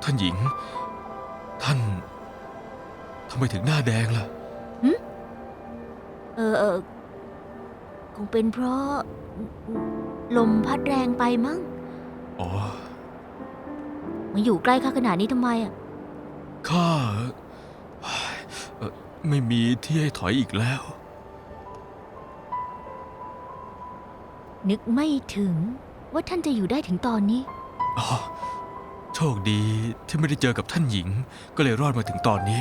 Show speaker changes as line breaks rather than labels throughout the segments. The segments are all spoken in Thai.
ท่านหญิงท่านทำไมถึงหน้าแดงล่ะ
คงเป็นเพราะลมพัดแรงไปมั้ง
อ๋อ
มาอยู่ใกล้ข้าขนาดนี้ทำไมอ่ะ
ข้าไม่มีที่ให้ถอยอีกแล้ว
นึกไม่ถึงว่าท่านจะอยู่ได้ถึงตอนนี้
อ๋อ โชคดีที่ไม่ได้เจอกับท่านหญิง ก็เลยรอดมาถึงตอนนี้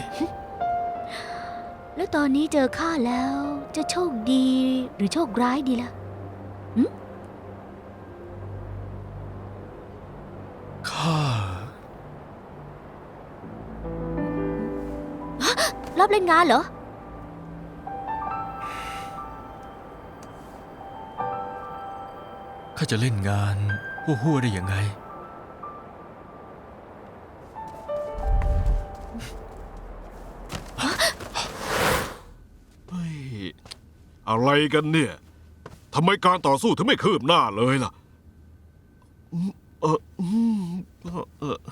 แล้วตอนนี้เจอข้าแล้วจะโชคดีหรือโชคร้ายดีล่ะ
ข้าร
อบเล่นงานเหรอ
ข้าจะเล่นงานหัวๆได้ยังไง
เฮ้ยอะไรกันเนี่ยทำไมการต่อสู้ถึงไม่คืบหน้าเลยล่ะเอออืมเออ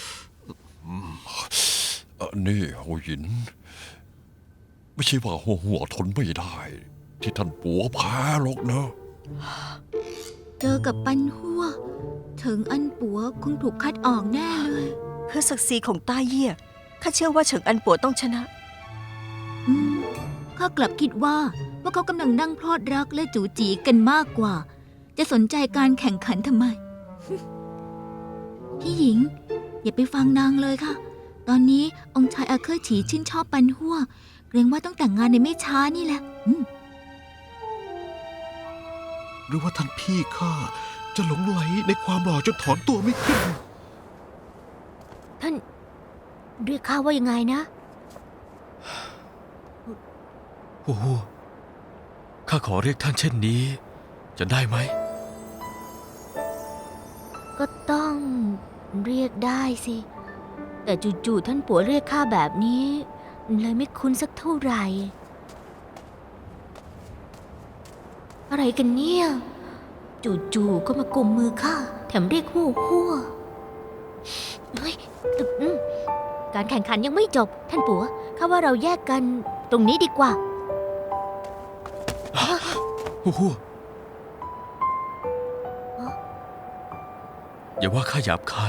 นี่หัวหิน ไม่ใช่ว่าหัวทนไม่ได้ ที่ท่านปัวแพ้หรอกนะ
เจอกับปันหัวถึงอันปัวคงถูกคัดออกแน่เลย
เพื่อศักดิ์ศรีของต้าเยี่ยข้าเชื่อว่าเฉิงอันปัวต้องชนะ
ข้ากลับคิดว่าเขากำลังนั่งพลอดรักและจูจีกันมากกว่า จะสนใจการแข่งขันทำไม พี่หญิง อย่าไปฟังนางเลยค่ะ ตอนนี้องค์ชายอาเคอร์ฉีชื่นชอบปันหัวเกรงว่าต้องแต่งงานในไม่ช้านี่แหละ
หรือว่าท่านพี่ข้าจะหลงไหลในความหล่อจนถอนตัวไม่ขึ้น
ท่านเรียกข้าว่ายังไงนะ
หัวๆข้าขอเรียกท่านเช่นนี้ จะได้ไหม
ก็ต้องเรียกได้สิ แต่จู่ๆท่านปัวเรียกข้าแบบนี้เลยไม่คุ้นสักเท่าไหร่ อะไรกันเนี่ยจู่ๆก็มากุมมือข้าแถมเรียกหัวเฮ้ยการแข่งขันยังไม่จบ ท่านปัวข้าว่าเราแยกกันตรงนี้ดีกว่า
หัวอย่าว่าข้าหยาบคาย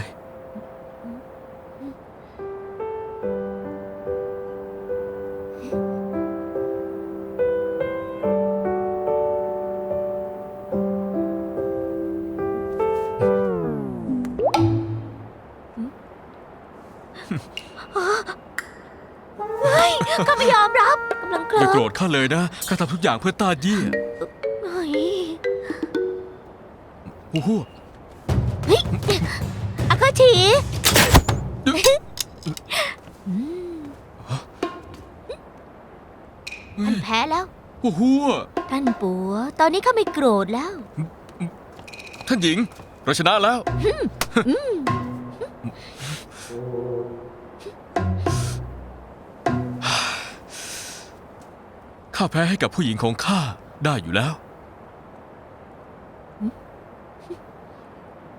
ข้าไม่ยอมรับกำลังเค
อย่า
ลิ้
โกร
ม
ธข้าเลยนะ ข้าทำทุกอย่างเพื่อต้าเยี่ย
เฮ้ย
หัว
อาคาฉีท่านแพ้แล้ว
หัว
ท่านปัว ตอนนี้ข้าไม่โกรธแล้ว
ท่านหญิง เราชนะแล้ว ข้าแพ้ให้กับผู้หญิงของข้าได้อยู่แล้ว